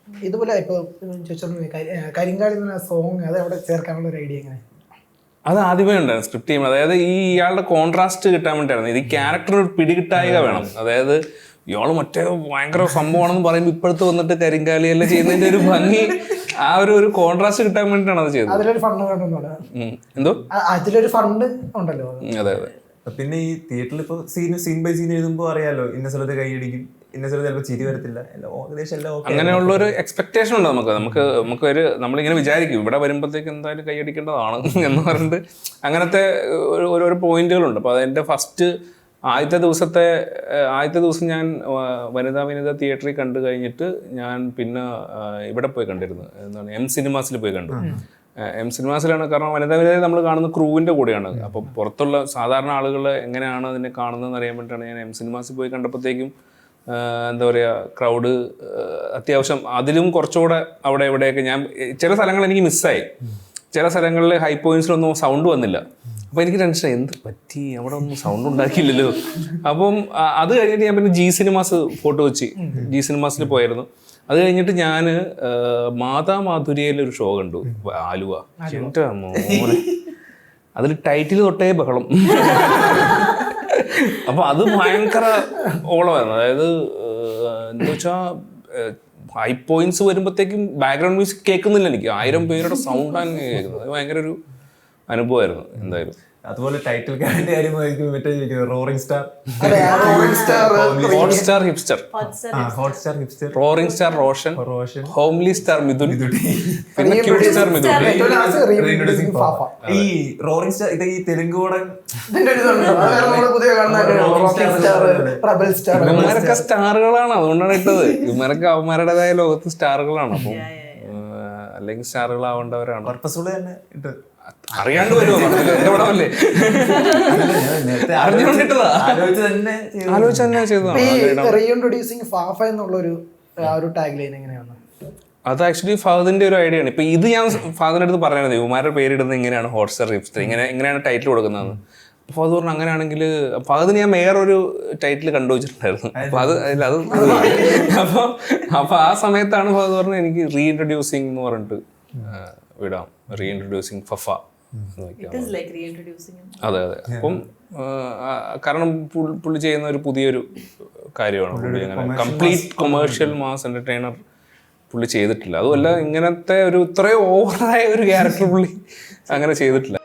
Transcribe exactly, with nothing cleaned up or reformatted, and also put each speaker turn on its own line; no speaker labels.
ഇതുപോലെ ഇപ്പോൾ കരിങ്കാളി എന്ന സോങ് അത് അവിടെ ചേർക്കാനുള്ള ഒരു ഐഡിയ എങ്ങനെ?
അത് ആദ്യമേ ഉണ്ടായിരുന്നു സ്ക്രിപ്റ്റ് ചെയ്യുമ്പോൾ. അതായത് ഈ ഇയാളുടെ കോൺട്രാസ്റ്റ് കിട്ടാൻ വേണ്ടിയായിരുന്നു. ഇത് ക്യാരക്ടറിന് ഒരു പിടികിട്ടായിക വേണം. അതായത് ഇയാൾ മറ്റേ ഭയങ്കര സംഭവമാണെന്ന് പറയുമ്പോൾ ഇപ്പോഴത്തെ വന്നിട്ട് കരിങ്കാലിയെല്ലാം ചെയ്യുന്നതിന്റെ ഒരു ഭംഗി, ആ ഒരു ഒരു കോൺട്രാസ്റ്റ് കിട്ടാൻ വേണ്ടിയിട്ടാണ് അത് ചെയ്തത്.
അതിലൊരു ഫണ്ട് കണ്ടെന്നോട്
എന്തോ
അതിലൊരു ഫണ്ട് ഉണ്ടല്ലോ.
അതെ അതെ.
പിന്നെ ഈ തിയേറ്ററിൽ ഇപ്പോൾ സീൻ സീൻ ബൈ സീൻ എഴുതുമ്പോൾ അറിയാലോ, ഇന്ന സ്ഥലത്ത് കൈയടിക്കും, ഇന്ന സ്ഥലത്ത് ചിലപ്പോൾ ചിരി വരത്തില്ല, ഏകദേശം എല്ലാം ഓക്കെ.
അങ്ങനെയുള്ള ഒരു എക്സ്പെക്ടേഷൻ ഉണ്ട് നമുക്ക്. നമുക്ക് നമുക്ക് ഒരു നമ്മളിങ്ങനെ വിചാരിക്കും ഇവിടെ വരുമ്പോഴത്തേക്ക് എന്തായാലും കൈയടിക്കേണ്ടതാണ് എന്ന് പറഞ്ഞിട്ട് അങ്ങനത്തെ ഓരോ പോയിന്റുകളുണ്ട്. അപ്പോൾ അതിൻ്റെ ഫസ്റ്റ് ആദ്യത്തെ ദിവസത്തെ ആദ്യത്തെ ദിവസം ഞാൻ വനിതാ വിനിത തിയേറ്ററിൽ കണ്ടു കഴിഞ്ഞിട്ട് ഞാൻ പിന്നെ ഇവിടെ പോയി കണ്ടിരുന്നു, എന്താണ് എം സിനിമാസിൽ പോയി കണ്ടു. എം സിനിമാസിലാണ്. കാരണം വനിതാ വിനിത നമ്മൾ കാണുന്ന ക്രൂവിൻ്റെ കൂടെയാണ്. അപ്പോൾ പുറത്തുള്ള സാധാരണ ആളുകൾ എങ്ങനെയാണ് അതിനെ കാണുന്നതെന്ന് അറിയാൻ വേണ്ടിയിട്ടാണ് ഞാൻ എം സിനിമാസിൽ പോയി കണ്ടപ്പോഴത്തേക്കും എന്താ പറയുക, ക്രൗഡ് അത്യാവശ്യം അതിലും കുറച്ചുകൂടെ അവിടെ എവിടെയൊക്കെ ഞാൻ ചില സ്ഥലങ്ങൾ എനിക്ക് മിസ്സായി. ചില സ്ഥലങ്ങളിൽ ഹൈ പോയിന്റ്സിലൊന്നും സൗണ്ട് വന്നില്ല. അപ്പോൾ എനിക്ക് ടെൻഷൻ, എന്ത് പറ്റി, അവിടെ ഒന്നും സൗണ്ട് ഉണ്ടാക്കിയില്ലല്ലോ. അപ്പം അത് കഴിഞ്ഞിട്ട് ഞാൻ പിന്നെ ജി സിനിമാസ് ഫോട്ടോ വെച്ച് ജി സിനിമാസിൽ പോയായിരുന്നു. അത് കഴിഞ്ഞിട്ട് ഞാൻ മാതാ മാധുരിയിലൊരു ഷോ കണ്ടു, ആലുവ. എൻ്റെ മോനെ, അതിൽ ടൈറ്റിൽ തൊട്ടേ ബഹളം. അപ്പൊ അത് ഭയങ്കര ഓളമായിരുന്നു. അതായത് എന്താ വെച്ചാൽ ഹൈ പോയിന്റ്സ് വരുമ്പോഴത്തേക്കും ബാക്ക്ഗ്രൗണ്ട് മ്യൂസിക് കേൾക്കുന്നില്ല എനിക്ക്, ആയിരം പേരുടെ സൗണ്ടാണ് കേൾക്കുന്നത്. അത് ഭയങ്കര ഒരു അനുഭവമായിരുന്നു എന്തായാലും.
അതുപോലെ ടൈറ്റിൽ കാർഡിന്റെ കാര്യമായിരിക്കും മറ്റേ roaring star,
hot star hipster,
hot star hipster,
roaring star Roshan,
Roshan,
homely star Mithun, പിന്നെ ക്യൂട്ട് സ്റ്റാർ മിഥുൻ.
ഈ റോറിംഗ് സ്റ്റാർ ഇത് ഈ തെലുങ്ക് കൂടെ
ഇവന്മാരൊക്കെ സ്റ്റാറുകളാണ്, അതുകൊണ്ടാണ് ഇട്ടത്. ഇവന്മാരൊക്കെ അവന്മാരുടേതായ ലോകത്ത് സ്റ്റാറുകളാണ്. അപ്പം അല്ലെങ്കിൽ സ്റ്റാറുകളാവേണ്ടവരാണ്.
പർപ്പസ്ഫുള്ളി തന്നെ ഇട്ട്
അറിയാണ്ട് വരുമോ എന്റെ പടമല്ലേ, അറിഞ്ഞുകൊണ്ടിട്ടതാ, ആലോചിച്ച് തന്നെ ചെയ്തതാണ്.
റീഇൻട്രൊഡ്യൂസിങ് ഫാഫ എന്നുള്ളൊരു ഒരു ടാഗ് ലൈൻ എങ്ങനെയാണ്?
അത് ആക്ച്വലി ഫഹദിന്റെ ഒരു ഐഡിയ ആണ്. ഇപ്പൊ ഇത് ഞാൻ ഫഹദിന്റെ അടുത്ത് പറഞ്ഞത് ഇവന്മാരുടെ പേരിടുന്നത് ഇങ്ങനെയാണ്, ഹോട്ട്സ്റ്റാർ ഹിപ്സ്റ്റർ, ഇങ്ങനെ ഇങ്ങനെയാണ് ടൈറ്റിൽ കൊടുക്കുന്നതെന്ന്. അപ്പോൾ അത് പറഞ്ഞു അങ്ങനെയാണെങ്കിൽ അപ്പോൾ അതിന് ഞാൻ വേറൊരു ടൈറ്റിൽ കണ്ടുവച്ചിട്ടുണ്ടായിരുന്നു. അപ്പോൾ അത് അല്ല അത് അപ്പോൾ അപ്പോൾ ആ സമയത്താണ് ഫഹദ് പറഞ്ഞത് എനിക്ക് റീഇൻട്രൊഡ്യൂസിങ് എന്ന് പറഞ്ഞിട്ട് വിടാം, റീഇൻട്രൊഡ്യൂസിങ് ഫഫ. അതെ അതെ. അപ്പം കാരണം പുള്ളി ചെയ്യുന്ന ഒരു പുതിയൊരു കാര്യമാണ്. പുള്ളി അങ്ങനെ കംപ്ലീറ്റ് കൊമേഴ്ഷ്യൽ മാസ് എന്റർടൈനർ പുള്ളി ചെയ്തിട്ടില്ല. അതുമല്ല ഇങ്ങനത്തെ ഒരു ഇത്രയും ഓവറായ ഒരു ക്യാരക്ടർ പുള്ളി അങ്ങനെ ചെയ്തിട്ടില്ല.